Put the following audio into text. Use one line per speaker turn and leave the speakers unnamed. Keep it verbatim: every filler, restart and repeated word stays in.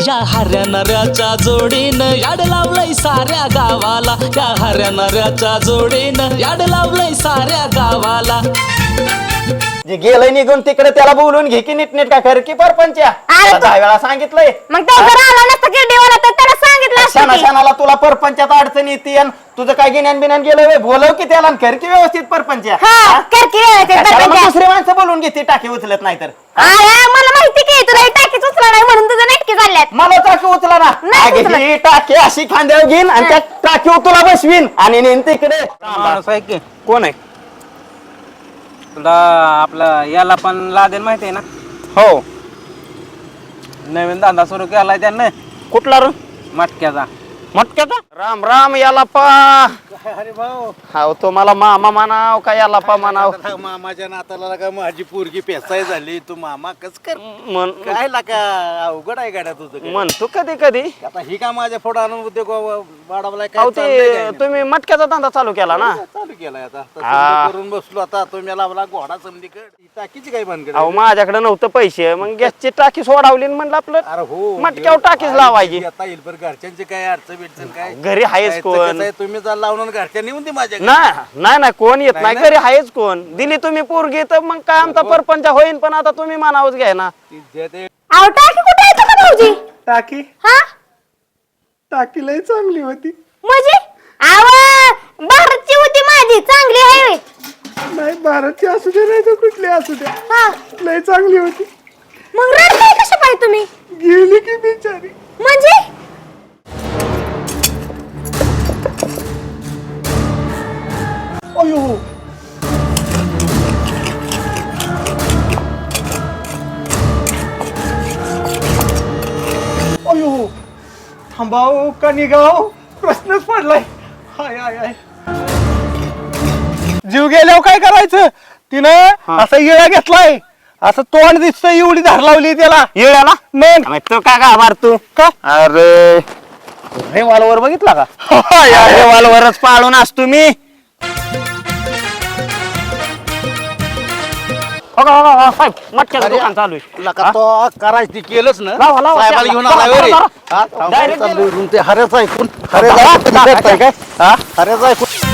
या हऱ्या नऱ्याच्या जोडीनं याड लावलंय साऱ्या गावाला, या हऱ्या नऱ्याच्या जोडीनं याड लावलंय साऱ्या गावाला.
जे गेलंय निघून तिकडे त्याला बोलून घे की नीटनीट का कर की परपंच्या. दहा वेळा सांगितलंय.
मग तो जर आला नसता किरडीवाला तर त्याला सांगितलं असतं
शाना
की.
शानाला तुला परपंचात अडचण येते तुझं काय गिन्यान बिन्यान गेलं बोलव की त्याला आणि कर की व्यवस्थित परपंच्या.
हा कर की व्यवस्थित
कशाला मग
परपंच.
दुसरी माणसं बोलून घेते टाकी उचलत नाही तर.
अरे मला माहिती की तुला ही टाकीच उचला नाही म्हणून तुझं नेटके झाल्यात.
मला टाकी उचला ना.
नाही
अगं,
उचलत.
ही टाकी अशी खांद्यावर घेईन आणि त्या टाकीवर तुला बसवीन आणि नेन तिकडे.
माणूस आहे की
कोण आहे?
तुला आपला याला पण लागेल माहिती आहे ना,
हो.
नवीन धंदा सुरू केलाय त्यानं
कुठला रे?
मटक्याचा.
मटक्याचा? राम राम याला पा.
अरे भाऊ
हाव तो मला मामा म्हणाव का याला पा म्हणाव?
मामाच्या नाताला का माझी पोरगी पेसाय झाली तू मामा कस कर
म्हण
काय लाका अवघड आहे गाड्या तुझं काय?
म्हणतो कधी कधी.
आता ही का माझ्या फोडा आणून उद्योग वाढवलाय
अहो
काय चाललंय काय
ते
नाही?
तुम्ही मटक्याचा धंदा चालू केला ना?
चालू केलाय आता आता
हा.
समजा करून बसलो आता तुम्ही लावला घोडा समधीकड ही टाकीची काय बनकड
अहो माझ्याकडे नव्हतं पैसे मग गॅसची टाकी सोडावली आणि म्हणलं आपलं
अरे हो
मटक्यावर टाकीच लावायची.
आता येईल पण घरच्यांची काय अडचण बिडचण काय
घरी आहेच
काय
कोण?
कसं आहे, तुम्ही जर लावून घरच्यांनी येऊन दे माझ्या घरी.
नाही नाही नाही कोण येत
नाही
नाही
ना?
घरी आहेच कोण. दिली तुम्ही पोरगी तर मग काय आमचा परपंच होईन पण आता तुम्ही मानावच घ्याय ना.
ती जे ते
अहो टाकी कुठे येतो का भाऊजी?
टाकी
हा
टाकी लय चांगली होती.
म्हणजे आव भारतची होती माझी चांगली आहे होय.
नाही भारतची असू दे नाही तर कुठली असू द्या
हा
लय चांगली होती.
मग रडताय कशा पाहिजे तुम्ही?
गेली की बिचारी.
म्हणजे
अयो अयो थांबाव का निघाव प्रश्नच पडलाय. हाय हाय हाय जीव गेल्यावर काय करायचं? तिनं असा येळा घेतलाय असं तोंड दिसतंय एवढी धार लावली त्याला
येळ्याला
मग
तो का का मारतो
का
अरे रेवालवर बघितला का? रेवालवरच पाळून असतो मी. हो का, हो का, हो, साहेब मटक्याचं दुकान चालू आहे.
लका तो करायचं ते केलंच ना
लावा, लावा,
साहेबाला घेऊन
लावा,
आला रे
लावा,
हा,
Direct
चाललोय room ते हऱ्याचं ऐकून
हऱ्याचं ऐकून
हऱ्याचं
काय?
ऐकून